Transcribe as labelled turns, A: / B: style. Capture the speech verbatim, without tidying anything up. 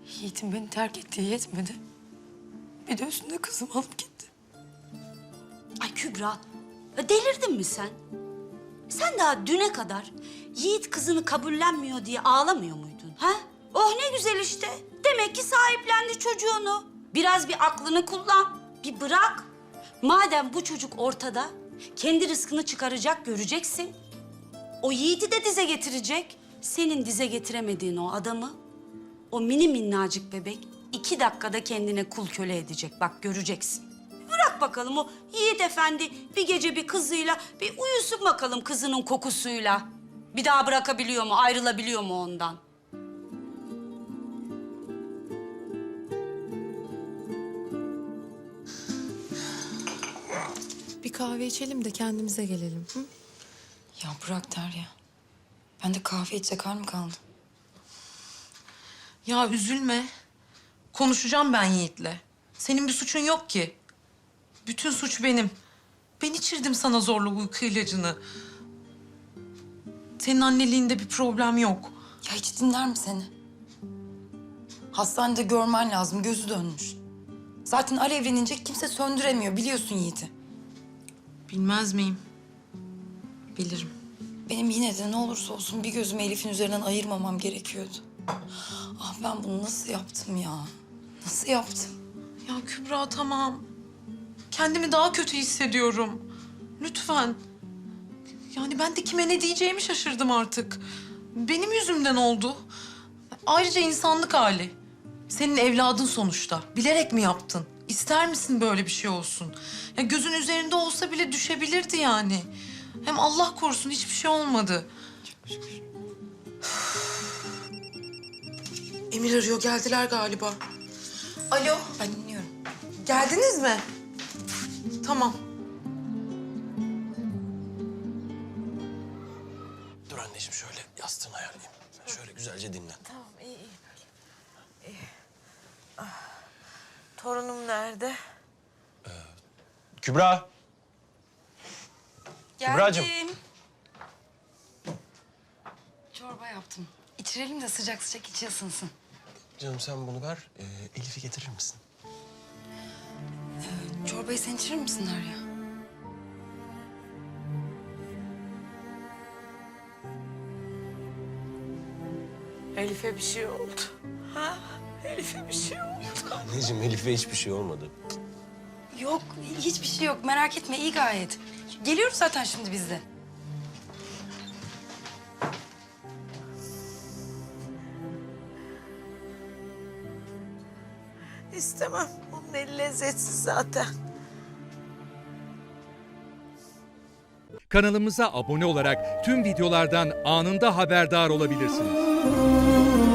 A: Yiğit'in beni terk ettiği yetmedi. Bir de üstüne kızımı alıp gitti.
B: Ay Kübra, ya delirdin mi sen? Sen daha düne kadar Yiğit kızını kabullenmiyor diye ağlamıyor muydun? Ha? Oh ne güzel işte. Demek ki sahiplendi çocuğunu. Biraz bir aklını kullan, bir bırak. Madem bu çocuk ortada, kendi rızkını çıkaracak, göreceksin. O Yiğit'i de dize getirecek. Senin dize getiremediğin o adamı, o mini minnacık bebek iki dakikada kendine kul köle edecek. Bak göreceksin. Bırak bakalım o Yiğit Efendi bir gece bir kızıyla bir uyusun bakalım kızının kokusuyla. Bir daha bırakabiliyor mu, ayrılabiliyor mu ondan?
A: Bir kahve içelim de kendimize gelelim. Hı?
C: Ya bırak Derya. Ben de kahve içecek hal mi kaldı?
D: Ya üzülme. Konuşacağım ben Yiğit'le. Senin bir suçun yok ki. Bütün suç benim. Ben içirdim sana zorla uyku ilacını. Senin anneliğinde bir problem yok.
C: Ya hiç dinler mi seni? Hastanede görmen lazım. Gözü dönmüş. Zaten alevlenince kimse söndüremiyor. Biliyorsun Yiğit'i.
D: Bilmez miyim? Bilirim.
C: Benim yine de ne olursa olsun bir gözümü Elif'in üzerinden ayırmamam gerekiyordu. Ah ben bunu nasıl yaptım ya? Nasıl yaptım?
D: Ya Kübra tamam. Kendimi daha kötü hissediyorum. Lütfen. Yani ben de kime ne diyeceğimi şaşırdım artık. Benim yüzümden oldu. Ayrıca insanlık hali. Senin evladın sonuçta. Bilerek mi yaptın? İster misin böyle bir şey olsun? Ya gözün üzerinde olsa bile düşebilirdi yani. Hem Allah korusun hiçbir şey olmadı. Emir arıyor. Geldiler galiba. Alo.
C: Ben dinliyorum.
D: Geldiniz mi? Tamam.
E: Dur anneciğim şöyle yastığını ayarlayayım. Sen şöyle güzelce dinlen.
F: Tamam, iyi, iyi. iyi. Ah, torunum nerede?
E: Kübra.
C: Geldim.
E: Kübracığım.
C: Çorba yaptım. İçirelim de sıcak sıcak içi ısınsın.
E: Canım sen bunu ver. Ee, Elif'i getirir misin?
C: Çorbayı sen içirir misin Derya?
F: Elif'e bir şey oldu. Ha? Elif'e bir şey oldu.
E: Anneciğim Elif'e hiçbir şey olmadı.
C: Yok, hiçbir şey yok. Merak etme, iyi gayet. Geliyoruz zaten şimdi biz de.
F: İstemem. Onun eli lezzetsiz zaten.
G: Kanalımıza abone olarak tüm videolardan anında haberdar olabilirsiniz.